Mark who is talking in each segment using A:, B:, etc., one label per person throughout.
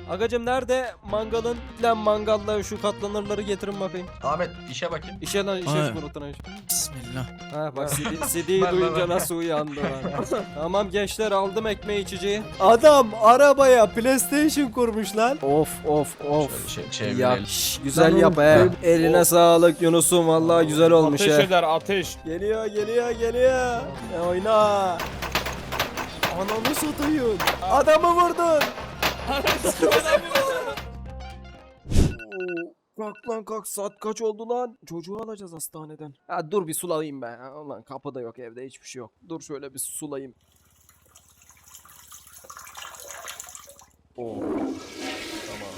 A: Agacım nerede mangalın? Lan mangalla şu katlanırları getirin bakayım.
B: Ahmet işe bakayım.
A: İşe lan işe
C: Ay.
A: şu unutun iş.
C: Bismillah.
A: Ha bak CD'yi
B: Ver, ver,
A: duyunca
B: ver.
A: nasıl uyandı lan. Tamam gençler aldım ekmeği içeceği. Adam arabaya PlayStation kurmuş lan. Of of of.
B: Şöyle
A: Ya
B: çevirelim.
A: güzel yap he. Eline sağlık Yunus'um vallahi güzel olmuş
D: Ateş
A: he.
D: eder ateş.
A: Geliyor geliyor geliyor. Oyna. Ananı satayım. Adamı vurdun. Kalk lan kalk, saat kaç oldu lan? Çocuğu alacağız hastaneden. Ha dur bir sulayayım ben. Ha, ulan kapı da yok, evde hiçbir şey yok. Dur şöyle bir sulayayım. Oo. Tamam.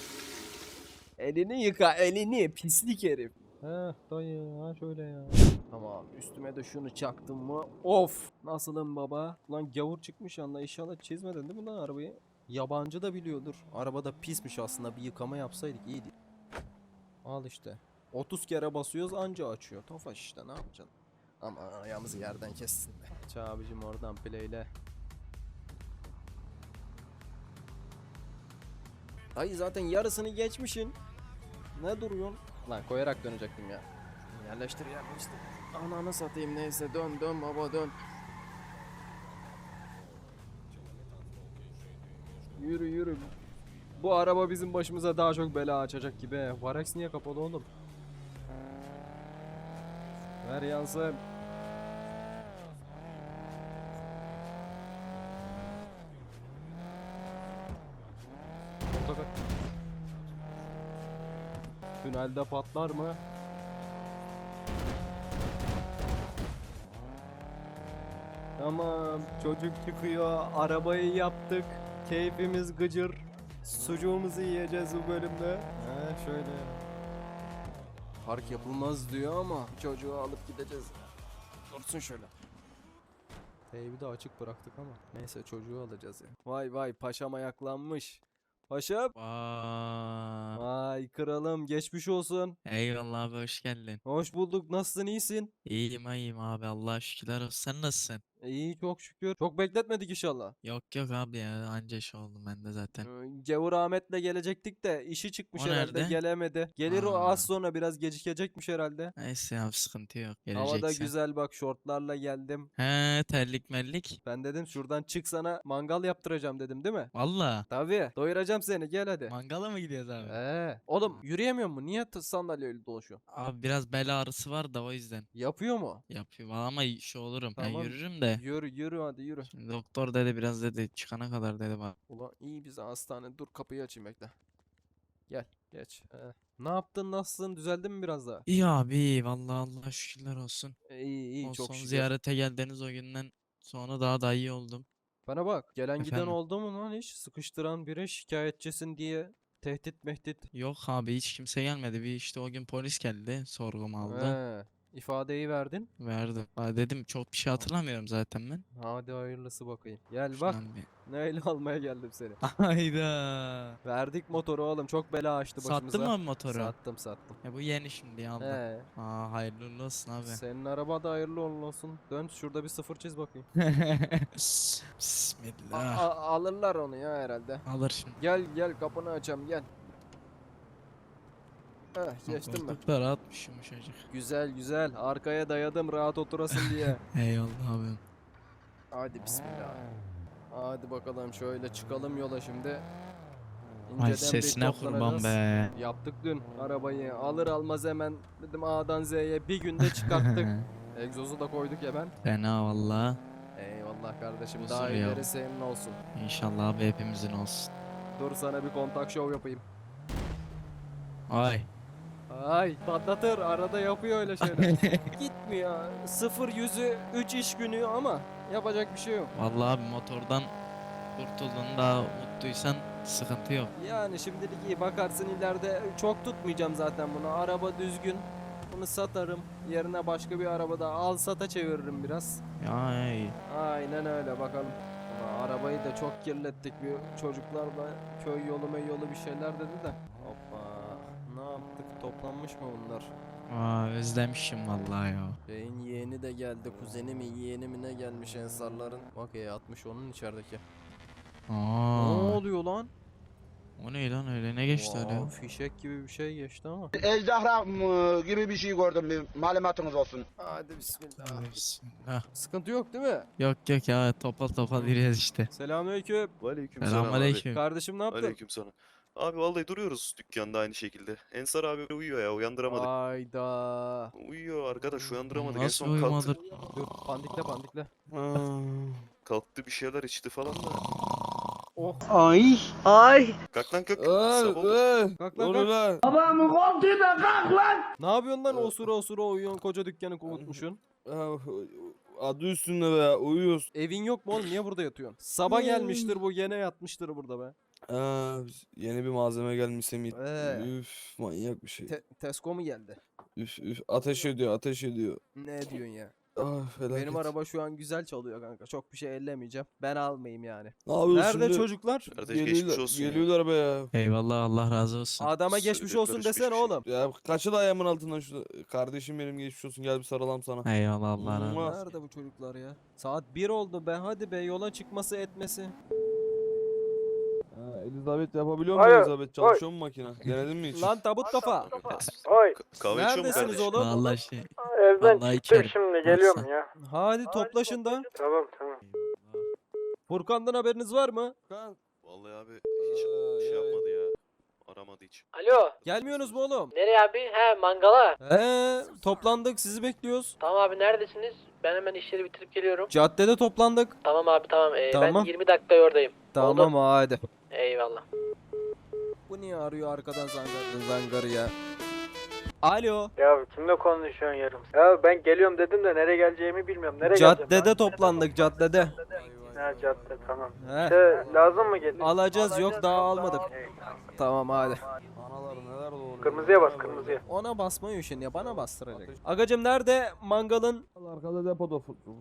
A: Elini yıka elini pislik herif. He dayı ha şöyle ya. Tamam üstüme de şunu çaktım mı? Of nasılım baba? Lan gavur çıkmış yanına, inşallah çizmedin değil mi lan arabayı? Yabancı da biliyordur. Arabada pismiş aslında, bir yıkama yapsaydık iyiydi. Al işte. 30 kere basıyoruz anca açıyor. Tofaş işte, ne yapacaksın? Ama ayağımızı yerden kessin be. Aç abicim oradan playle. Ay zaten yarısını geçmişin. Ne duruyorsun? Lan koyarak dönecektim ya. Yerleştir yerleştir. Ananı satayım, neyse dön dön baba dön. Yürü yürü. Bu araba bizim başımıza daha çok bela açacak gibi he. Varex niye kapalı oğlum? Ver yansın. Otogar. Tünelde patlar mı? Tamam, çocuk çıkıyor, arabayı yaptık, keyfimiz gıcır, sucuğumuzu yiyeceğiz bu bölümde. He şöyle. Park yapılmaz diyor ama çocuğu alıp gideceğiz. Dursun şöyle. Teybi de açık bıraktık ama neyse çocuğu alacağız ya. Vay vay paşam ayaklanmış. Paşam.
C: Vay.
A: Vay kralım, geçmiş olsun.
C: Eyvallah abi, hoş geldin.
A: Hoş bulduk, nasılsın, iyisin?
C: İyiyim abi, Allah'a şükürler olsun. Sen nasılsın?
A: İyi çok şükür. Çok bekletmedik inşallah.
C: Yok abi ya, anca iş oldum ben de zaten.
A: Gavur Ahmet'le gelecektik de işi çıkmış
C: O
A: herhalde,
C: nerede?
A: gelemedi. Gelir o
C: Aa.
A: az sonra, biraz gecikecekmiş herhalde.
C: Neyse abi, sıkıntı yok.
A: Hava da
C: Geleceksen.
A: güzel bak, şortlarla geldim.
C: He, terlik mellik.
A: Ben dedim şuradan çık, sana mangal yaptıracağım dedim değil mi?
C: Valla.
A: Tabii doyuracağım seni, gel hadi.
C: Mangala mı gidiyoruz abi?
A: Oğlum yürüyemiyor mu? Niye sandalyeyle dolaşıyorsun?
C: Abi biraz bel ağrısı var da o yüzden
A: Yapıyor mu?
C: yapıyor. Ama şu olurum. Ben
A: Tamam.
C: yürürüm de.
A: Yürü yürü hadi yürü.
C: Şimdi doktor dedi, biraz dedi çıkana kadar dedi bak.
A: Ulan iyi bize hastane, dur kapıyı açayım bekle. Gel geç. Ne yaptın, nasılsın, düzeldin mi biraz daha?
C: İyi abi, iyi. Vallahi Allah'a şükürler olsun.
A: İyi iyi
C: O
A: çok
C: son
A: şükür.
C: ziyarete geldiniz o günden sonra daha da iyi oldum.
A: Bana bak, gelen giden
C: Efendim?
A: oldu mu lan hiç? Sıkıştıran biri, şikayetçisin diye tehdit mehdit.
C: Yok abi, hiç kimse gelmedi. Bir işte o gün polis geldi, sorgumu aldı.
A: İfadeyi verdin.
C: Verdim. Aa, dedim çok bir şey hatırlamıyorum zaten ben.
A: Hadi hayırlısı bakayım. Gel bak,
C: Şundan bir.
A: neyle almaya geldim seni.
C: Hayda.
A: Verdik motoru oğlum, çok bela açtı başımıza.
C: Sattın mı abi motoru?
A: Sattım sattım.
C: Ya bu yeni şimdi aldım.
A: He.
C: Aa, hayırlı uğurlu olsun abi.
A: Senin araba da hayırlı uğurlu olsun. Dön şurada bir sıfır çiz bakayım.
C: Bismillah.
A: Alırlar onu ya herhalde.
C: Alır şimdi.
A: Gel gel, kapını açam gel. Geçtim mi?
C: Koltuk da rahatmış, yumuşacık.
A: Güzel güzel, arkaya dayadım rahat oturasın diye.
C: Eyvallah abi.
A: Hadi bismillah. Hadi bakalım şöyle çıkalım yola şimdi.
C: Ay
A: bir
C: sesine kurban
A: toplanacağız.
C: be.
A: Yaptık dün arabayı, alır almaz hemen dedim A'dan Z'ye bir günde çıkarttık. Egzozu da koyduk ya ben.
C: Fena valla.
A: Eyvallah kardeşim,
C: Huzur
A: daha
C: ya.
A: ileri senin olsun.
C: İnşallah abi hepimizin olsun.
A: Dur sana bir kontak show yapayım.
C: Ay.
A: Ay patlatır, arada yapıyor öyle şeyler. Gitmiyor. 0-100'ü 3 iş günü ama yapacak bir şey yok.
C: Vallahi abi, motordan kurtuldun da mutluysan sıkıntı yok.
A: Yani şimdilik iyi, bakarsın ileride çok tutmayacağım zaten bunu. Araba düzgün. Bunu satarım. Yerine başka bir arabada al sata çeviririm biraz.
C: Ay.
A: Aynen öyle bakalım. Ulan arabayı da çok kirlettik, bir çocuklar da köy yolu yolu bir şeyler dedi de. Hoppa. Ne yaptık? Toplanmış mı bunlar?
C: Aa, özlemişim vallahi ya.
A: Şeyin yeğeni de geldi. Kuzeni mi yeğeni mi ne gelmiş Ensarların. Bak E60 onun içerideki. Ne
C: Aa.
A: oluyor lan?
C: O ne lan öyle ne geçti öyle ya?
A: Wow, fişek gibi bir şey geçti ama.
B: Ejderha gibi bir şey gördüm, bir malumatınız olsun.
A: Hadi bismillah.
C: Tövbe bismillah.
A: Sıkıntı yok değil mi?
C: Yok yok ya topal topal yürüyoruz işte.
A: Selamünaleyküm.
D: Aleykümselam abi.
C: Selamünaleyküm.
A: Kardeşim ne yaptın?
D: Aleykümselam. Abi vallahi duruyoruz dükkanda aynı şekilde. Ensar abi uyuyor ya, uyandıramadık.
A: Ayda.
D: Uyuyor arkadaş, uyandıramadık. En
C: Nasıl
D: son kalktı.
C: uyumadır?
A: Dur pandikle pandikle.
D: Kalktı bir şeyler içti falan da.
A: Oh.
B: Ay.
D: Kalk lan kalk. Sabah oldu.
A: Kalk lan kalk.
B: Babamın koltuğuna kalk lan.
A: Ne yapıyorsun lan osura osura uyuyorsun koca dükkanı kovutmuşsun.
E: Adı üstünde be, uyuyoruz.
A: Evin yok mu oğlum niye burada yatıyorsun? Sabah gelmiştir bu gene yatmıştır burada be.
E: Yeni bir malzeme gelmiş Semih.
A: Ee.
E: Üf, manyak bir şey.
A: Tesco mu geldi?
E: Üf, ateş ediyor, ateş ediyor.
A: Ne diyorsun ya?
E: Ah, felaket.
A: Benim araba şu an güzel çalıyor kanka. Çok bir şey ellemeyeceğim. Ben almayayım yani.
E: Ne yapıyorsun
A: Nerede
E: şimdi?
A: çocuklar?
D: Kardeş geçmiş olsun ya.
E: Geliyorlar be ya.
C: Eyvallah Allah razı olsun.
A: Adama geçmiş
D: Çocuklar
A: olsun
D: hiçbir
A: desene
D: şey.
A: oğlum.
E: Ya kaçı da ayağımın altından şu kardeşim benim geçmiş olsun, gel bir sarılalım sana.
C: Eyvallah Allah razı
E: Mua.
C: olsun.
A: Nerede bu çocuklar ya? Saat 1 oldu be hadi be yola çıkması etmesi.
E: Elizabeth yapabiliyor mu
F: Hayır,
E: Elizabeth? Çalışıyor mu makine? Denedin mi hiç?
A: Lan tabut kafa.
F: Oy,
D: Kahve içiyor mu
A: Neredesiniz
D: kardeş?
A: oğlum?
C: Vallahi şey.
F: evden
C: Vallahi
F: çıktım
C: içerim.
F: şimdi geliyorum ya.
A: Hadi toplaşın da.
F: Tamam tamam.
A: Furkan'dan haberiniz var mı?
D: Vallahi abi hiç şey yapmadı ya. Aramadı hiç.
F: Alo.
A: Gelmiyorsunuz mu oğlum?
F: Nereye abi? He mangala.
A: Toplandık sizi bekliyoruz.
F: Tamam abi neredesiniz? Ben hemen işleri bitirip geliyorum.
A: Caddede toplandık.
F: Tamam abi tamam.
A: Tamam.
F: Ben 20 dakika oradayım.
A: Tamam hadi.
F: Eyvallah.
A: Bu niye arıyor arkadan zangarı ya? Alo.
F: Ya kimle konuşuyorsun yarım? Ya ben geliyorum dedim de nereye geleceğimi bilmiyorum. Nereye
A: Caddede toplandık caddede.
F: Ha cadde tamam.
A: He.
F: Lazım mı getir?
A: Alacağız yok daha almadık. Tamam hadi.
E: Analar neler doğuruyor.
F: Kırmızıya bas kırmızıya.
A: Ona basmayı üşen ya bana bastıracak. Agacım nerede mangalın?
E: Arkada depoda.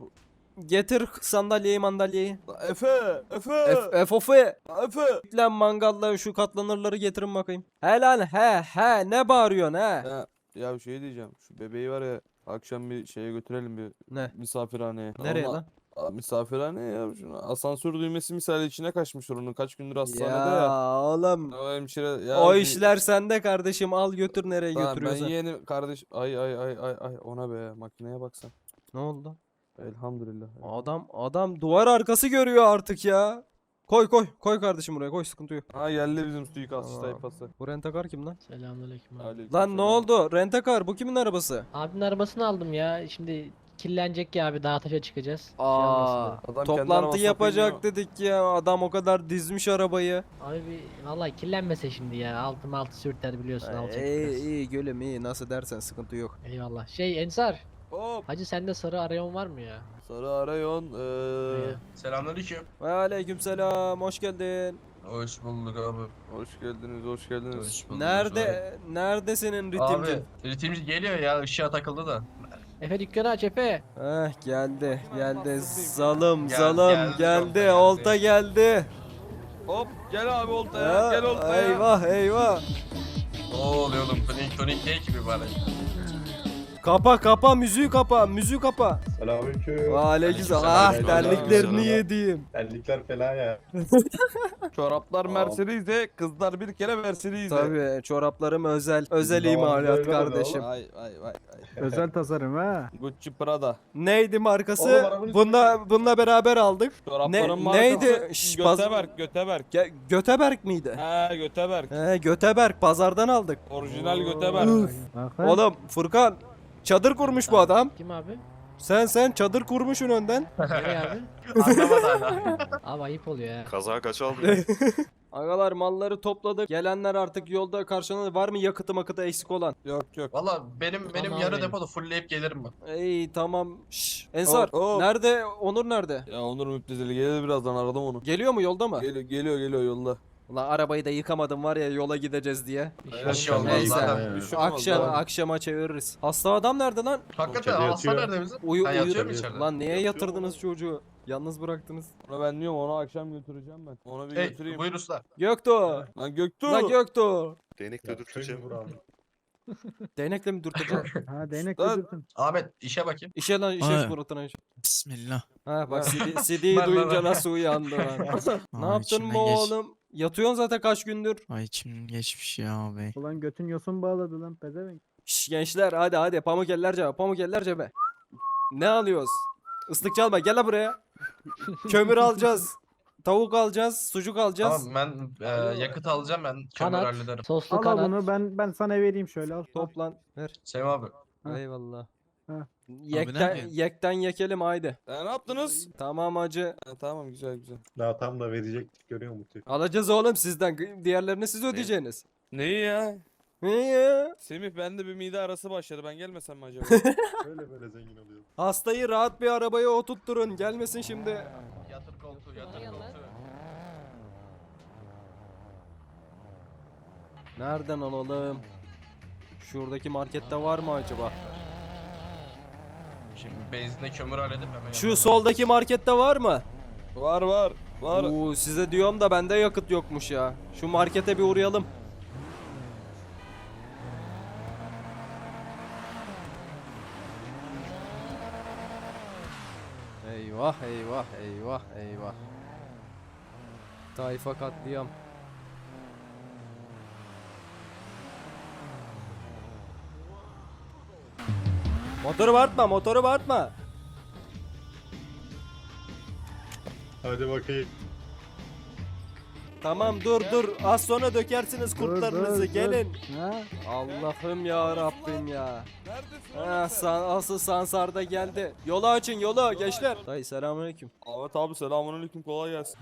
A: Getir sandalyeyi.
E: Efe!
A: Efe.
E: Efe!
A: Lan mangalla şu katlanırları getirin bakayım. He lan he ne bağırıyorsun he?
E: Ya bir şey diyeceğim. Şu bebeği var ya, akşam bir şeye götürelim, bir
A: Ne?
E: misafirhaneye.
A: Nereye
E: Ama-
A: lan?
E: Misafirhane ya. Asansör düğmesi misali içine kaçmışlar, onun kaç gündür hastanede
A: Ya
E: ya.
A: oğlum.
E: O hemşire ya.
A: O işler sende kardeşim al götür nereye
E: Tamam, ben
A: götürüyorsan.
E: yeğenim kardeş. Ay ona be, makineye baksan.
A: Ne oldu?
E: Elhamdülillah.
A: Adam duvar arkası görüyor artık ya. Koy kardeşim buraya koy sıkıntı yok.
E: Ha, geldi bizim suikastçı
A: Tamam.
E: tayfası.
A: Bu rentakar kim lan?
G: Selamünaleyküm abi.
E: Aleyküm
A: Lan ne
E: selam.
A: oldu? Rentakar bu kimin arabası?
G: Abinin arabasını aldım ya. Şimdi kirlenecek ya abi, dağa taşa çıkacağız. Şey
A: Aa,
G: olmasın
E: Adam kendi
A: toplantı
E: arabasına
A: yapacak
E: koyuyor.
A: dedik ya. Adam o kadar dizmiş arabayı.
G: diye. Abi vallahi kirlenmese şimdi ya. Altı sürter biliyorsun, alacak
A: İyi
G: biraz.
A: iyi gülüm iyi nasıl dersen sıkıntı yok.
G: Eyvallah. Şey Ensar.
E: Hop.
G: Hacı sende sarı arayon var mı ya?
E: Sarı arayon.
G: Ya.
H: Selamünaleyküm.
A: Ve aleykümselam hoş geldin.
H: Hoş bulduk abi.
E: Hoş geldiniz, hoş geldiniz.
H: Hoş bulduk.
A: Nerede senin ritimci?
H: Abi ritimci geliyor ya, ışığa takıldı da.
G: Efe dükkanı aç Efe.
A: Geldi.
E: Geldi,
A: Geldi. Olta geldi.
E: Hop, gel abi oltaya,
A: Ha,
E: gel oltaya.
A: Eyvah.
H: Ne oluyor oğlum? Tonik ne gibi bari?
A: Kapa müziği kapa.
I: Selamünaleyküm.
A: Ve aleykümselam.
H: Aleykümselam.
A: Terliklerini yediğim.
I: Terlikler fena ya.
E: Çoraplar Mercedes'e, kızlar bir kere Mercedes'e.
A: Tabii çoraplarım özel
I: Bizim
A: imalat
I: zamanımızda öyle
A: kardeşim.
E: Vay.
F: Özel tasarım ha.
E: Gucci Prada.
A: Neydi markası?
I: Oğlum, arabanın
A: Bununla beraber aldık.
E: Çorapların
A: Ne-
E: markası
A: neydi? Şş,
E: Göteberk.
A: Göteberk miydi?
E: He, Göteberk.
A: Göteberk pazardan aldık.
E: Orijinal Göteberk.
A: Oğlum Furkan çadır kurmuş bu adam.
G: Kim abi?
A: Sen çadır kurmuşsun önden.
G: Nereye abi?
H: Anlamadı hala.
G: Abi ayıp oluyor ya.
D: Kaza kaç aldı?
A: Agalar malları topladık. Gelenler artık yolda karşılanır. Var mı yakıtı eksik olan?
E: Yok.
H: Valla benim
G: Tamam
H: yarı
G: benim.
H: depoda fullleyip gelirim ben.
A: İyi tamam. Şşş. Ensar
E: Hop.
A: nerede? Onur nerede?
E: Ya Onur müptezeli gelir birazdan, aradım onu.
A: Geliyor mu yolda mı?
E: Geliyor yolda.
A: Ulan arabayı da yıkamadım var ya yola gideceğiz diye.
H: Bir şey olmaz
A: Neyse.
H: zaten.
E: Bir şey olmaz,
A: Akşama çeviririz. Hasta adam nerede lan?
H: Hakikaten
I: İçeride
H: hasta
I: yatıyor.
H: nerede bizim?
A: Uyu
H: Ha,
A: uyu.
H: yatıyor mu içeride?
A: Lan niye yatırdınız çocuğu? Yalnız bıraktınız.
E: Onu ben diyorum, onu akşam götüreceğim ben. Onu bir götüreyim.
H: Buyur usta.
A: Göktuğ.
E: Lan Göktuğ.
A: Lan Göktuğ.
D: Değnekle dürteceğim.
A: Değnekle mi dürteceğim?
F: Ha değnek
E: Lan.
H: Ahmet işe bakayım.
A: İşe lan işe
C: Ay.
A: suratına iş.
C: Bismillah.
A: Ha bak CD'yi
H: Ben-
A: duyunca
H: ben-
A: nasıl uyandı lan. Ne
C: Aa,
A: yaptın
C: içimden
A: mı
C: geç.
A: oğlum? Yatıyorsun zaten kaç gündür.
C: Ay içim geçmiş ya abi.
F: Ulan götün yosun bağladı lan pezevenk.
A: Şş, gençler hadi pamuk eller cebe, pamuk eller cebe. Ne alıyoruz? Islık çalma, gel lan buraya. Kömür alacağız. Tavuk alacağız, sucuk alacağız.
H: Tamam ben yakıt alacağım, ben kömür
G: Kanat,
H: hallederim.
G: soslu
F: Al
G: kanat.
F: bunu ben sana vereyim şöyle al.
A: Toplan, ver.
H: Sevim abi.
F: Ha.
A: Eyvallah.
F: Ha.
A: Yekten, yekten yekelim haydi.
E: Ne yaptınız?
A: Tamam hacı.
E: Ha, tamam güzel güzel.
I: Daha tam da verecektik görüyor musun?
A: Alacağız oğlum sizden. Diğerlerini siz ödeyeceksiniz.
E: Neyi ya?
A: Ne ya?
E: Semih bende bir mide arası başladı. Ben gelmesem mi acaba?
I: Böyle zengin oluyor.
A: Hastayı rahat bir arabaya oturtturun. Gelmesin şimdi.
H: Yatır koltuğu, yatır koltuğu.
A: Nereden alalım? Şuradaki markette var mı acaba?
H: Şimdi benzinle kömür halledip hemen
A: Şu soldaki markette var mı?
E: var var. Var.
A: Oo, size diyorum da bende yakıt yokmuş ya. Şu markete bir uğrayalım. Eyvah eyvah eyvah eyvah. Tayfa katliam. Motoru bağırtma, motoru bağırtma.
I: Hadi bakayım.
A: Tamam dur az sonra dökersiniz kurtlarınızı gelin.
F: Ha?
A: Allah'ım ya Rabbim ya.
E: Neredesin?
A: Asıl Sansar'da geldi. Yolu açın yolu gençler. Dayı selamünaleyküm.
E: Ahmet abi selamünaleyküm, kolay gelsin.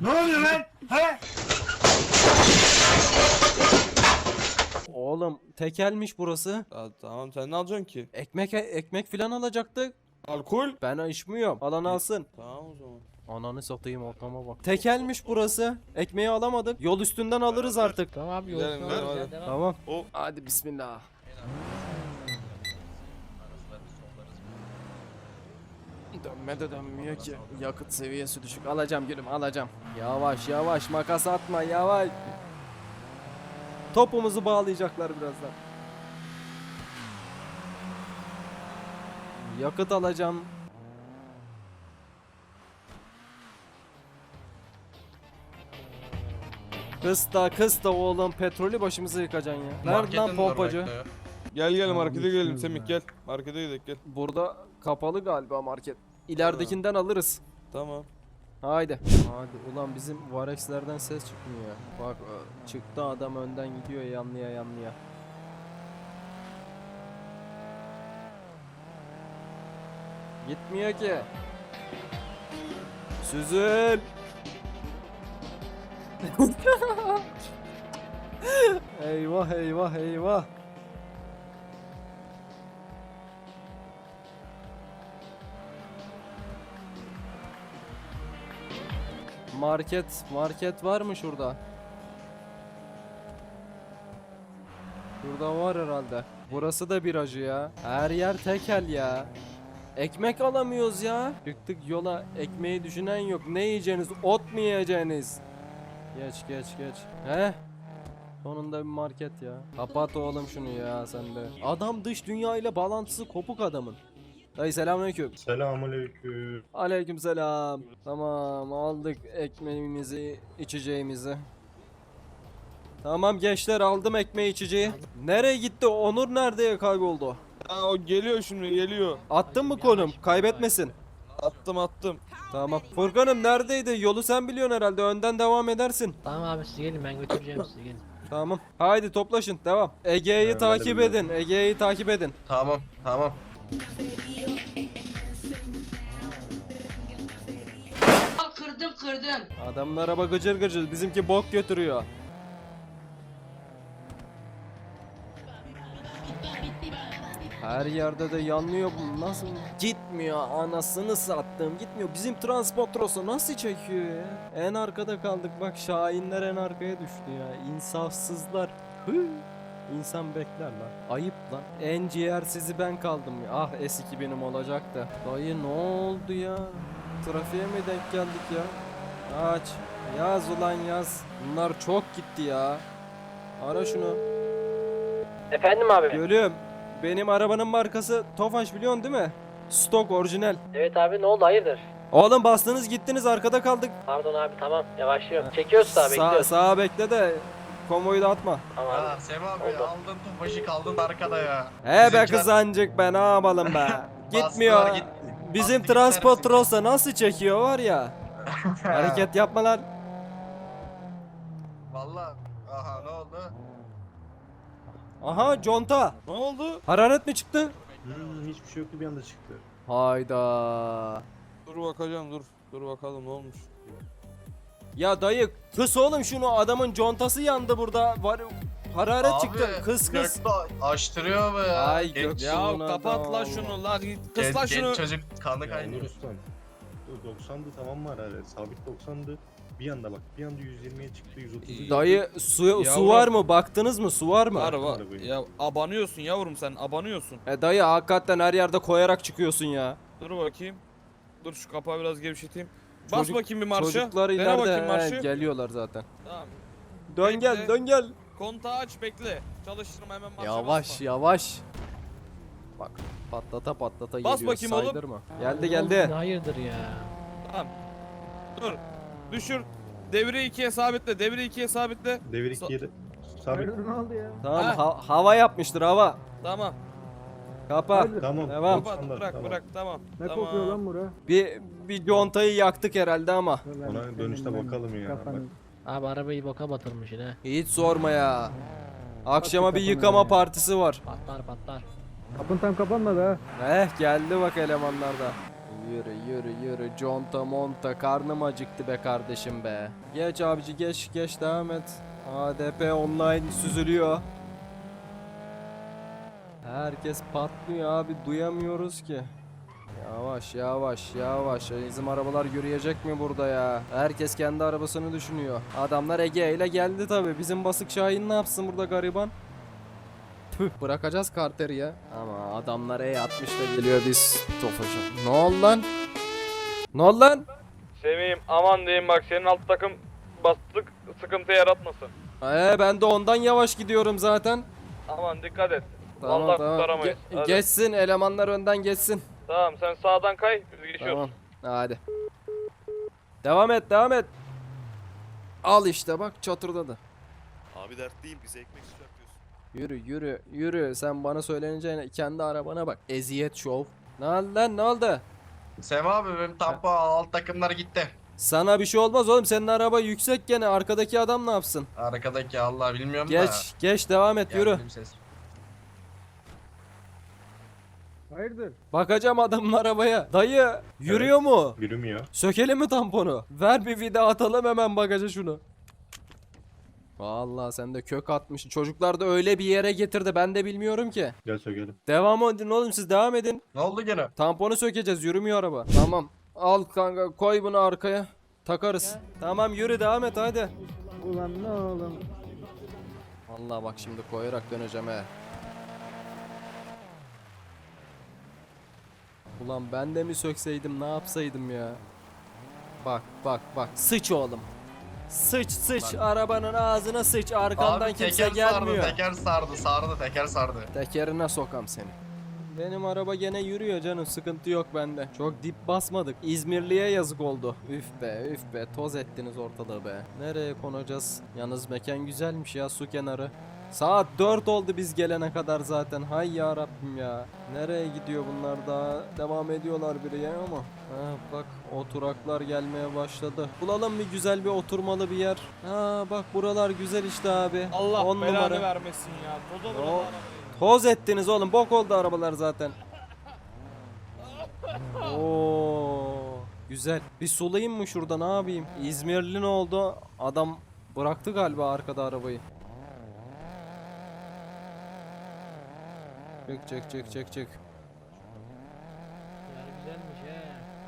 A: Oğlum tekelmiş burası.
E: Ya, tamam sen ne alacaksın ki?
A: Ekmek filan alacaktık.
E: Alkol?
A: Ben içmiyorum. Alan alsın.
E: Tamam o zaman.
A: Ananı satayım ortama bak. Tekelmiş burası. Ekmeği alamadık. Yol üstünden alırız artık.
G: Tamam abi
E: Gidelim,
G: yolsun
E: gidelim,
G: alırız ya
E: hadi.
G: devam.
A: Tamam.
D: O
A: Hadi bismillah. Dönme de dönmüyor ki. Yakıt seviyesi düşük. Alacağım gülüm alacağım. Yavaş makas atma yavaş. Topumuzu bağlayacaklar birazdan. Yakıt alacağım. Kısta oğlum petrolü başımıza yıkacaksın ya. Nerede lan
H: Marketin
A: pompacı?
H: orada bekliyor.
E: Gel markete gidelim Semih gel. Markete gidelim gel.
A: Burada kapalı galiba market. İleridekinden alırız.
E: Tamam.
A: Haydi. Hadi ulan bizim Varex'lerden ses çıkmıyor ya. Bak çıktı adam önden gidiyor yanlıya. Gitmiyor ki. Süzül. Eyvah. Market var mı şurada? Şurada var herhalde. Burası da biracı ya. Her yer tekel ya. Ekmek alamıyoruz ya. Çıktık yola ekmeği düşünen yok. Ne yiyeceğiniz? Ot mu yiyeceğiniz? Geç. He? Sonunda bir market ya. Kapat oğlum şunu ya sen de. Adam dış dünya ile bağlantısı kopuk adamın. Dayı selamünaleyküm.
I: Selamünaleyküm.
A: Aleykümselam. Tamam aldık ekmeğimizi, içeceğimizi. Tamam gençler aldım ekmeği içeceği. Nereye gitti? Onur nerede kayboldu?
E: Ha, o geliyor şimdi geliyor.
A: Attın mı konum? Kaybetmesin.
E: Attım.
A: Tamam. Furkan'ım neredeydi? Yolu sen biliyorsun herhalde. Önden devam edersin.
G: Tamam abi siz gelin ben götüreceğim sizi gelin.
A: Tamam. Haydi toplaşın. Devam. Ege'yi
I: Evet, ben de
A: takip
I: biliyorum.
A: edin. Ege'yi takip edin.
H: Tamam.
J: Kırdım.
A: Adamın araba gıcır. Bizimki bok götürüyor. Her yerde de yanlıyor bu. Nasıl gitmiyor? Anasını sattım. Gitmiyor. Bizim transportrosu nasıl çekiyor ya? En arkada kaldık. Bak Şahinler en arkaya düştü ya. İnsafsızlar. Hı. İnsan bekler lan. Ayıp lan. En ciğersizi ben kaldım ya. Ah S2000'im olacaktı. Dayı ne oldu ya? Trafiğe mi denk geldik ya? Aç. Yaz ulan yaz. Bunlar çok gitti ya. Ara şunu.
G: Efendim abi.
A: Gülüm. Benim arabanın markası Tofaş biliyorsun değil mi? Stok orijinal.
G: Evet abi ne oldu hayırdır?
A: Oğlum bastınız gittiniz arkada kaldık.
G: Pardon abi tamam yavaşlıyorum. Çekiyoruz sağa bekliyoruz.
A: Sağa bekle de konvoyu da atma.
G: Tamam abi.
H: Ya Sem abi
G: Oldu.
H: aldın topaşı kaldın arkada ya.
A: He be
H: Bizimkiler
A: kızancık be ne yapalım be.
H: bastılar,
A: Gitmiyor.
H: gitti.
A: Bizim
H: Bastı
A: transport
H: gittiler
A: olsa nasıl çekiyor var ya. Hareket yapma lan.
H: Valla. Aha ne oldu?
A: Aha conta.
E: Ne oldu?
A: Hararet mi çıktı?
I: Hiçbir şey yoktu bir anda çıktı.
A: Hayda.
E: Dur bakacağım dur. Dur bakalım ne olmuş.
A: Ya dayı kıs oğlum şunu, adamın contası yandı burada. Var hararet
H: Abi,
A: çıktı. Kıs kıs.
H: Gökte açtırıyor be ya.
A: Ay,
H: Genç-
A: Gök-
E: Ya
A: Şuna
E: kapat
A: da
E: la
A: Allah.
E: şunu la kıs
H: genç,
E: la şunu.
H: genç çocuk kanı
I: Ya
H: kaynıyor.
I: Nuristan. 90'dı tamam mı hararet? Sabit 90'dı. Bir anda bak bir anda 120'ye çıktı 130'a.
A: Dayı su
E: Yavrum.
A: var mı? Baktınız mı? Su var mı?
E: Var var.
I: Arabayı.
E: Ya abanıyorsun yavrum sen abanıyorsun.
A: Dayı hakikaten her yerde koyarak çıkıyorsun ya.
E: Dur bakayım. Dur şu kapağı biraz gevşeteyim. Bas
A: Çocuk-
E: bakayım bir marşa.
A: Çocuklar
E: Dene
A: ileride
E: bakayım marşı.
A: geliyorlar zaten.
E: Tamam.
A: Dön
E: Bekle.
A: gel, dön gel.
E: Kontağı aç bekle. Çalıştırma hemen marşa
A: Yavaş
E: basma.
A: yavaş. Bak patlata patlata
E: Bas
A: geliyor.
E: bakayım oğlum.
A: Saydırma. Geldi geldi.
G: Hayırdır ya.
E: Tamam. Dur. Düşür. Devri 2'ye sabitle. Devri 2'ye sabitle.
I: Devir 2'ye de. Sabit.
A: Tamam
E: Ha.
A: hava yapmıştır hava.
E: Tamam.
A: Kapa.
I: Tamam.
A: Devam.
E: Kapat
I: Standart,
E: bırak
I: tamam.
E: bırak tamam.
F: Ne
E: tamam.
F: kokuyor lan bura?
A: Bir contayı yaktık herhalde ama.
I: Ona dönüşte bakalım ya. Bak.
G: Abi arabayı boka batırmış yine.
A: Hiç sorma ya. Akşama bir yıkama partisi var.
G: Patlar patlar.
F: Kapın tam kapanmadı ha.
A: Geldi bak elemanlar da. Yürü yürü yürü conta monta, karnım acıktı be kardeşim be. Geç abici geç devam et. ADP online süzülüyor. Herkes patlıyor abi, duyamıyoruz ki. Yavaş yavaş yavaş. Bizim arabalar yürüyecek mi burada ya? Herkes kendi arabasını düşünüyor. Adamlar Ege ile geldi tabi. Bizim basık Şahin ne yapsın burada gariban? Tüh, bırakacağız karteri ya. Ama adamlar E60 da geliyor, biz Tofaş'a. Ne oldu lan? Ne oldu lan?
F: Semih'im aman diyeyim bak, senin alt takım bastık, sıkıntı yaratmasın.
A: Ben de ondan yavaş gidiyorum zaten.
F: Aman dikkat et.
A: Tamam
F: Vallahi
A: tamam.
F: kurtaramayız. Hadi.
A: Geçsin elemanlar, önden geçsin.
F: Tamam sen sağdan kay, biz geçiyoruz.
A: Tamam. Hadi. Devam et devam et. Al işte bak, çatırdadı.
D: Abi dert değil, bize ekmek çıkartıyorsun.
A: Yürü yürü yürü, sen bana söyleneceğine kendi arabana bak. Eziyet şov. Ne oldu lan, ne oldu?
H: Sem abi benim tampa alt takımlar gitti.
A: Sana bir şey olmaz oğlum, senin araba yüksek gene, arkadaki adam ne yapsın?
H: Arkadaki Allah bilmiyorum da.
A: Geç devam et, yürü.
H: Geldi bir ses.
F: Hayırdır?
A: Bakacağım adamın arabaya. Dayı yürüyor mu?
I: Yürümüyor.
A: Sökelim mi tamponu? Ver bir vida atalım hemen bagaja şunu. Vallahi sen de kök atmış. Çocuklar da öyle bir yere getirdi, ben de bilmiyorum ki.
I: Gel sökelim.
A: Devam edin oğlum, siz devam edin.
H: Ne oldu gene?
A: Tamponu sökeceğiz, yürümüyor araba. Tamam. Al kanka, koy bunu arkaya. Takarız. Tamam yürü, devam et hadi.
F: Ulan ne oğlum?
A: Vallahi bak şimdi koyarak döneceğim he. Ulan ben de mi sökseydim, ne yapsaydım ya? Bak bak bak, sıç oğlum. Sıç arabanın ağzına sıç, arkandan
H: Abi
A: kimse
H: teker
A: gelmiyor.
H: sardı, teker sardı.
A: Tekerine sokam seni. Benim araba gene yürüyor canım, sıkıntı yok bende. Çok dip basmadık. İzmirli'ye yazık oldu. Üf be toz ettiniz ortalığı be. Nereye konacağız? Yalnız mekan güzelmiş ya, su kenarı. Saat 4 oldu biz gelene kadar zaten. Hay ya Rabbim ya. Nereye gidiyor bunlar daha? Devam ediyorlar biri ya ama. Ha bak, oturaklar gelmeye başladı. Bulalım bir güzel bir oturmalı bir yer. Ha bak, buralar güzel işte abi.
E: Allah
A: 10
E: belanı
A: numara.
E: vermesin ya. Toza
A: O-
E: vurun arabayı.
A: Toz ettiniz oğlum, bok oldu arabalar zaten. Oo, güzel. Bir sulayayım mı şurada, ne yapayım? İzmirli ne oldu? Adam bıraktı galiba arkada arabayı. Çek.
G: Yer güzelmiş he.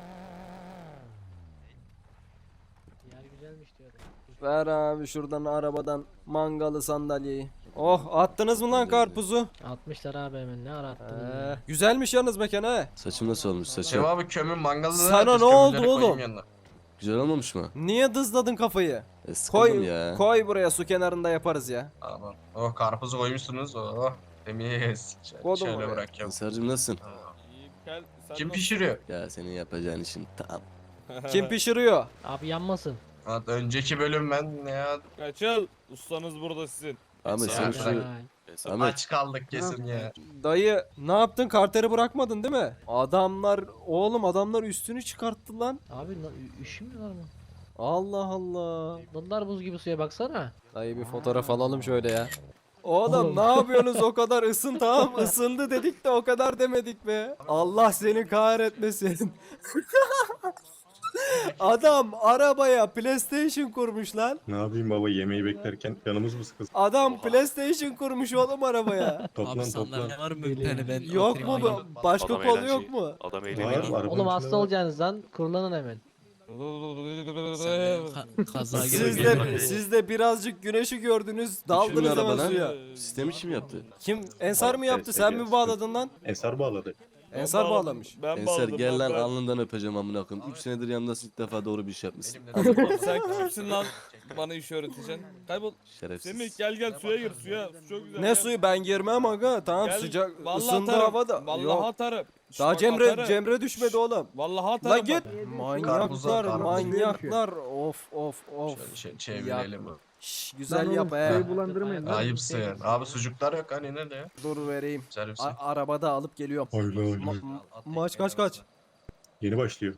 G: Yer güzelmiş diyorum.
A: Ver abi şuradan arabadan mangalı sandalyeyi. Oh, attınız mı lan karpuzu?
G: 60'lar abi hemen, ne ara attın ya?
A: Güzelmiş yalnız mekan he.
J: Saçım nasıl olmuş
H: Sem
J: saçım?
H: abi kömür mangalı.
A: Sana
H: biz
A: ne oldu
H: kömürleri koyayım
A: oğlum?
H: yanına.
J: Güzel olmamış mı?
A: Niye dızladın kafayı?
J: Sıkıldım
A: Koy,
J: ya.
A: koy buraya, su kenarında yaparız ya.
H: Aman. Oh karpuzu koymuşsunuz. Oh temiz.
A: Koydum
H: Şöyle
A: oraya.
H: bırakacağım.
J: Ensar'cığım nasılsın?
E: İyiyim, gel, sen
H: Kim
E: nasıl-
H: pişiriyor?
J: Ya senin yapacağın işin tam.
A: Kim pişiriyor?
G: Abi yanmasın.
H: Lan önceki bölüm ben ya
E: Kaçıl. Ustanız burada sizin.
J: Ahmet sen
H: Ya,
J: şu...
G: Vay.
D: Ensar
J: Ahmet
H: aç kaldık kesin ya.
A: Dayı ne yaptın? Karteri bırakmadın değil mi? Adamlar üstünü çıkarttı lan.
G: Abi üşümüyorlar mı?
A: Allah Allah.
G: Bunlar buz gibi suya baksana.
A: Dayı bir fotoğraf alalım şöyle ya. Oğlum
G: Oğlum.
A: ne yapıyorsunuz o kadar tamam ısındı dedik de o kadar demedik be. Allah seni kahretmesin. Adam arabaya PlayStation kurmuş lan.
I: Ne yapayım baba, yemeği beklerken canımız mı sıkılsın?
A: Adam PlayStation kurmuş oğlum arabaya.
I: Toplan
C: Abi
I: toplan.
C: sandalye var mı bir tane ben
A: Yok
C: oturayım
A: mu
C: aynen.
A: bu? Başka
D: Adam
A: kolu
D: eğlenceli.
A: yok mu?
D: Adam
I: Var,
D: eğleniyor.
I: arabanın
G: Oğlum hasta
I: içinde var.
G: olacaksınızdan kurulanın hemen.
C: Kaza
A: Siz
C: gibi.
A: de, siz de birazcık güneşi gördünüz. Daldınız
J: Kimin
A: hemen
J: araba lan?
A: suya.
J: Sistemi kim yaptı?
A: Kim? Ensar mı yaptı? Sen mi bağladın lan?
I: Ensar bağladı.
A: Ensar bağlamış.
E: Ben
J: Ensar
E: bağladım.
J: gel lan
E: ben-
J: alnından öpeceğim amına koyayım. 3 senedir yanındasın, ilk defa doğru bir iş yapmışsın.
E: Sen kimsin lan? Bana iş öğreteceksin. Kaybol.
J: Şerefsiz.
E: Semih gel suya gir suya. Su çok güzel.
A: Ne
E: gel.
A: suyu ben girmem aga. Tamam
E: Gel.
A: sıcak
E: Vallahi
A: ısındı
E: atarım.
A: havada.
E: Vallahi
A: Yok.
E: atarım. Şş,
A: Daha
E: bak
A: Cemre
E: atarım.
A: düşmedi oğlum.
E: Vallahi atarım.
A: La git.
E: bak.
A: Manyaklar,
H: karpuza.
A: manyaklar. Of of of.
H: Şöyle çevirelim.
A: Şş, güzel yap he.
G: bulandırmayın
H: Ayıpsın. Abi sucuklar yok hani nerede ya?
A: Dur vereyim.
H: Servise.
A: Arabada alıp geliyorum.
I: Hayla hayla.
A: Maç kaç?
I: Yeni başlıyor.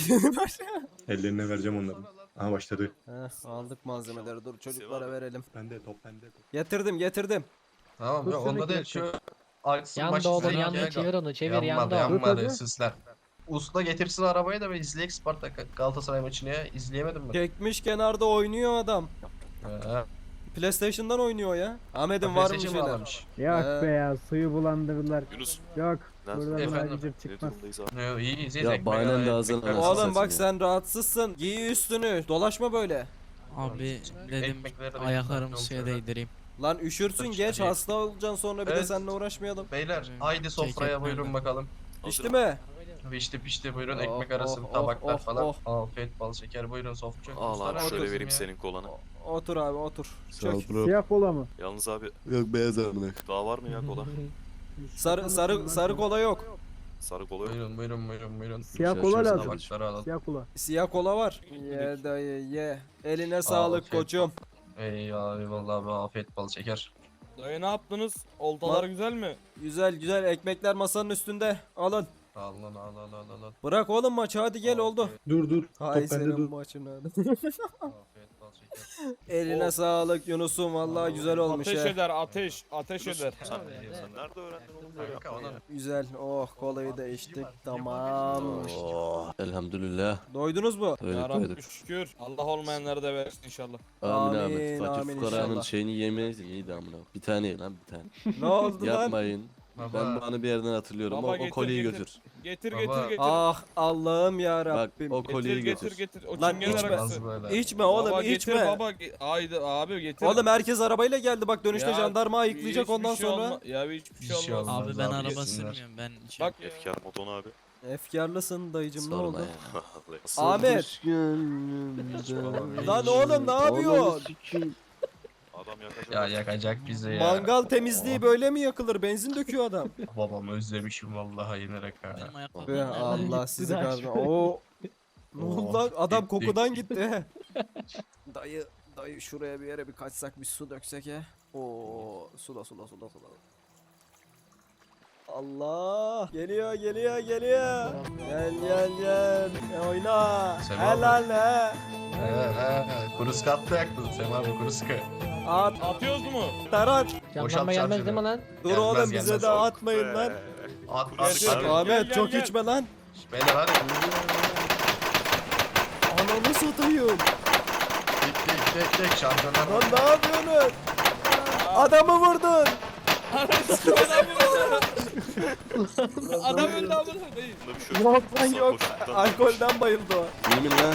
I: Ellerine vereceğim onları. Aha başladı.
A: Heh, aldık malzemeleri. Dur çocuklara verelim.
I: Bende top bende.
A: Getirdim.
H: Tamam ya onda da şu aksın
G: Yandı
H: başı
G: oğlum
H: izleyek
G: yandı
H: ya.
G: çevir onu çevir
H: Yanmadı
G: yandı o.
H: yanmadı süsler. Usta getirsin arabayı da ben izleyek Spartak Galatasaray maçını ya. İzleyemedim mi?
A: Çekmiş kenarda oynuyor adam.
H: He.
A: PlayStation'dan oynuyor ya. Ahmet'in var mı
H: PlayStation
A: şeyler?
H: bağlamış.
A: Yok be
K: ya suyu bulandırdılar.
D: Yunus.
K: Yok.
D: Buradan
H: Efendim?
D: Ne durumdayız abi?
H: Yo, iyi izleyiz.
J: Ya
H: ekmek
J: bahanen
H: arası,
J: de ağzına
H: ekmek
J: alsın.
H: arası.
A: Oğlum bak
J: ya.
A: sen rahatsızsın. Giy üstünü. Dolaşma böyle.
C: Abi dedim
H: Ekmekleri de
C: ayaklarımı
H: ekmek
C: suya
H: şöyle.
C: değdireyim.
A: Lan üşürsün
H: Dur,
A: geç
H: hadi.
A: hasta olacaksın sonra bir de
H: Evet.
A: seninle uğraşmayalım.
H: Beyler haydi sofraya
C: ekmek
H: buyurun
C: nerede?
H: bakalım.
A: İşte mi?
H: Pişti buyurun
A: Oh,
H: ekmek arası
A: oh,
H: tabaklar
A: oh,
H: falan.
A: oh.
H: Afiyet bal şeker buyurun sofra.
D: Al
H: Ustalar
D: abi şöyle
H: haklısın
D: vereyim
H: ya.
D: senin kolana.
A: Otur abi otur.
J: Sağ ol
A: Çök.
J: bro.
K: kola mı?
D: Yalnız abi
J: Yok beyaz amına.
D: daha var mı ya kola?
A: Sarı kola yok.
D: Sarı kola yok.
H: Buyurun.
K: Siyah
J: Şöyle
K: kola
J: şöyle
K: lazım.
H: Tabakları alalım.
K: Siyah kola.
A: Siyah kola var. Ye dayı ye. Eline sağlık
H: afiyet
A: koçum.
H: Eyvallah abi afiyet bal şeker.
E: Dayı ne yaptınız? Oltalar güzel mi?
A: Güzel ekmekler masanın üstünde. Alın.
H: Al.
A: Bırak oğlum maçı hadi gel oldu.
I: Dur.
A: Hay
I: Top bende
A: senin
I: dur.
A: maçına.
H: Afiyet bal şeker.
A: Eline sağlık Yunus'um vallahi güzel olmuş
E: Ateş
A: he.
E: eder ateş
D: Yunus,
E: eder.
D: sen nerede öğrendin oğlum böyle
H: Kanka
D: yapmayı
H: ona
D: ya?
A: Güzel. Oh kolayı da içtik. Tamam.
J: Oh, elhamdülillah.
A: Doydunuz mu?
E: Ya
J: Doyduk.
E: Rabbi şükür. Allah olmayanlara da versin inşallah.
J: Amin
A: Amin,
J: Ahmet. Fakir
A: amin
J: fukaranın
A: inşallah.
J: şeyini yemeyiz iyiydi amına. Bir tane ye lan bir tane.
A: Ne oldu lan?
J: Yapmayın.
H: Baba.
J: Ben bunu bir yerden hatırlıyorum.
E: Baba
J: O
E: getir,
J: kolyeyi
E: getir.
J: götür.
E: Getir
H: Baba.
E: getir.
A: Ah Allah'ım ya
J: Bak
A: Rabbim.
J: o kolyeyi
E: Getir
J: götür.
E: getir. O
A: Lan
E: çingener
A: içme.
E: arası.
H: Az böyle.
A: İçme oğlum
E: Baba
A: içme.
E: getir baba. Haydi abi getir.
A: Oğlum herkes arabayla geldi bak dönüşte
E: Ya,
A: jandarma ayıklayacak
E: hiçbir
A: ondan
E: şey
A: sonra.
E: Ya hiçbir
H: Bir
E: şey
H: şey
E: olmaz.
H: olmaz.
C: Abi ben
H: abi,
C: araba
H: yesinler.
C: sürmüyorum ben içim.
E: Bak
D: Efkar moton abi.
A: Efkarlısın dayıcım ne
J: Sorma
A: oldu?
J: ya.
A: Ahmet. Lan oğlum ne yapıyorsun?
D: Adam yakacak.
H: Ya yakacak bizi ya.
A: Mangal temizliği böyle mi yakılır? Benzin döküyor adam.
H: Babamı özlemişim vallahi yenerek ha.
C: Benim ayakkabım
A: Be
C: nerede?
A: Allah sizi
G: Güzel.
A: kahretsin. Oo. Ne oldu lan? Adam
H: Gittik.
A: kokudan gitti. Dayı şuraya bir yere bir kaçsak bir su döksek he. Oo sula. Allah geliyor. Gel. Oyna.
H: Sen
A: Helal he.
H: Kuruska attı yaktın Sem abi kuruska.
A: At
E: Atıyoruz mu?
A: tarat.
G: Jandarma gelmez değil mi lan?
A: Dur
H: Gelmez,
A: oğlum bize
H: gelmez.
A: de atmayın lan.
H: At
E: Gel,
H: hadi.
A: Ahmet
E: gel,
A: çok
E: gel.
A: içme lan.
H: Beyler hadi.
A: Ananı satayım.
H: Dik şampiyonlar.
A: Lan ne yapıyorsun? Adamı vurdun.
E: Adam öldü amına koyayım.
D: Bunda bir şey yok.
A: Yok lan yok.
D: Sarhoşluktan
A: Alkolden bayıldı o.
J: Yemin lan.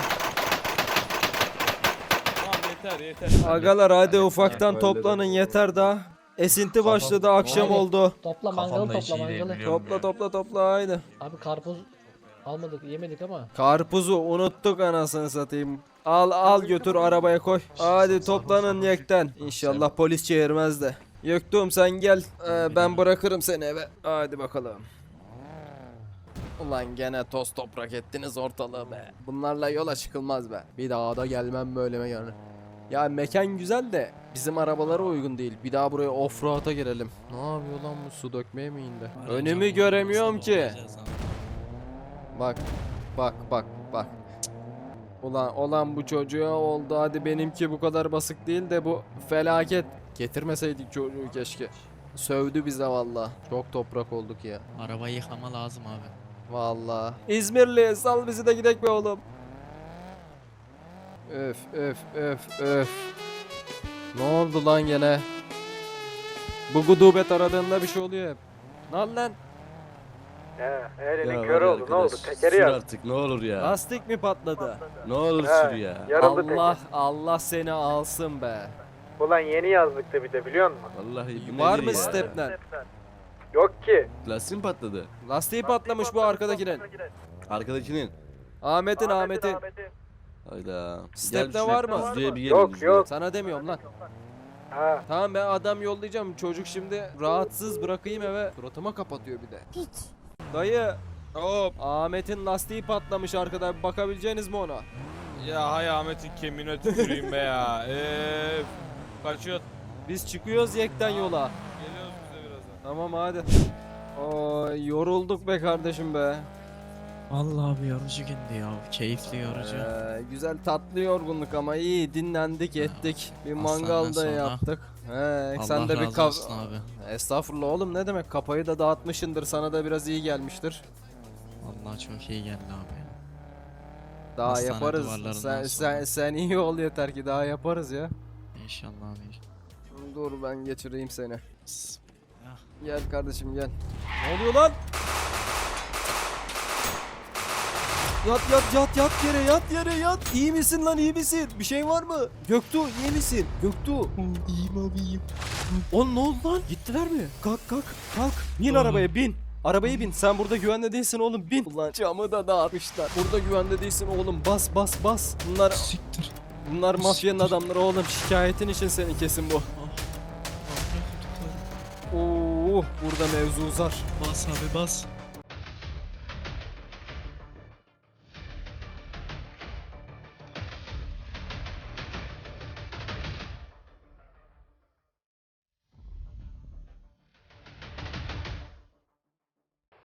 E: Tamam yeter.
A: Agalar hadi ufaktan toplanın yeter daha. Esinti başladı akşam
G: Hadi.
A: oldu.
G: Topla mangalı
H: Kafamda hiç
G: topla
H: iyi değil
G: mangalı.
H: biliyorum ya.
A: Topla haydi.
G: Abi karpuz almadık yemedik ama.
A: Karpuzu unuttuk anasını satayım. Al götür arabaya koy. Hadi toplanın yekten. İnşallah polis çevirmez de. Yöktüm sen gel. Ben bırakırım seni eve. Hadi bakalım. Ulan gene toz toprak ettiniz ortalığı be. Bunlarla yola çıkılmaz be. Bir daha da gelmem böyle mekana. Ya mekan güzel de bizim arabalara uygun değil. Bir daha buraya offroad'a girelim. Ne yapıyor lan bu, su dökmeye mi indi? Önümü göremiyorum ki. Bak bak. Ulan bu çocuğa oldu, hadi benimki bu kadar basık değil de bu felaket. Getirmeseydik çocuğu keşke. Sövdü bize valla. Çok toprak olduk ya.
C: Arabayı yıkama lazım abi.
A: Valla. İzmirli sal bizi de gidek be oğlum. Öf. Ne oldu lan gene? Bu gudubet aradığında bir şey oluyor hep. Lan.
F: Elinin
J: Ya
F: kör
J: var ya
F: oldu. Ne oldu?
J: arkadaş,
F: Tekeri
J: sür
F: ya.
J: artık ne olur ya.
A: Lastik mi patladı?
J: Ne olur
F: He,
J: sür ya.
F: Yarıldı teker.
A: Allah seni alsın be.
F: Ulan yeni yazdık da bir de biliyor musun?
J: Vallahi bu
A: Var
J: nedir
A: mı
J: ya?
A: stepler?
F: Yok ki.
J: Lastiğin patladı.
A: Lastiği patlamış bu arkadakinin.
J: Arkadakinin.
A: Ahmet'in.
J: Hayda.
A: Step'te
J: Gel
A: var
J: şuraya,
A: mı?
J: düzlüğe bir gelin,
F: Yok,
J: düzlüğe.
F: yok.
A: Sana demiyorum lan.
F: Ha.
A: Tamam ben adam yollayacağım. Çocuk şimdi rahatsız bırakayım eve. Suratıma kapatıyor bir de. Hiç. Dayı.
E: Hop.
A: Ahmet'in lastiği patlamış arkada. Bir bakabileceğiniz mi ona?
E: Ya hay Ahmet'in kemiğine tüküreyim be ya. Kaçıyor.
A: Biz çıkıyoruz yekten yola.
E: Geliyoruz bize birazdan.
A: Tamam hadi. Oy yorulduk be kardeşim be.
C: Vallahi bir yorucu gündü ya. Keyifli yorucu.
A: Güzel tatlı yorgunluk ama iyi dinlendik ettik. Bir mangal da
C: sonra.
A: yaptık.
C: Allah
A: Sen de bir
C: razı olsun abi.
A: Estağfurullah oğlum, ne demek, kafayı da dağıtmışındır, sana da biraz iyi gelmiştir.
C: Vallahi çok iyi geldi abi ya.
A: Daha
C: Hastane
A: yaparız.
C: duvarlarından
A: Sen iyi ol yeter ki daha yaparız ya.
C: İnşallah abi.
A: Dur ben geçireyim seni.
C: Bismillah.
A: Gel kardeşim gel. Ne oluyor lan? Yat yere. İyi misin lan, iyi misin? Bir şey var mı? Göktuğ iyi misin? Göktuğ.
C: İyiyim abi iyiyim.
A: Oğlum ne oldu lan? Gittiler mi? Kalk. Bin arabaya bin. Arabaya bin. Sen burada güvende değilsin oğlum, bin. Ulan camı da dağıtmışlar. Burada güvende değilsin oğlum. Bas. Bunlar mafyanın adamları oğlum. Şikayetin için senin kesin bu. Oo, burada mevzu uzar.
C: Bas abi bas.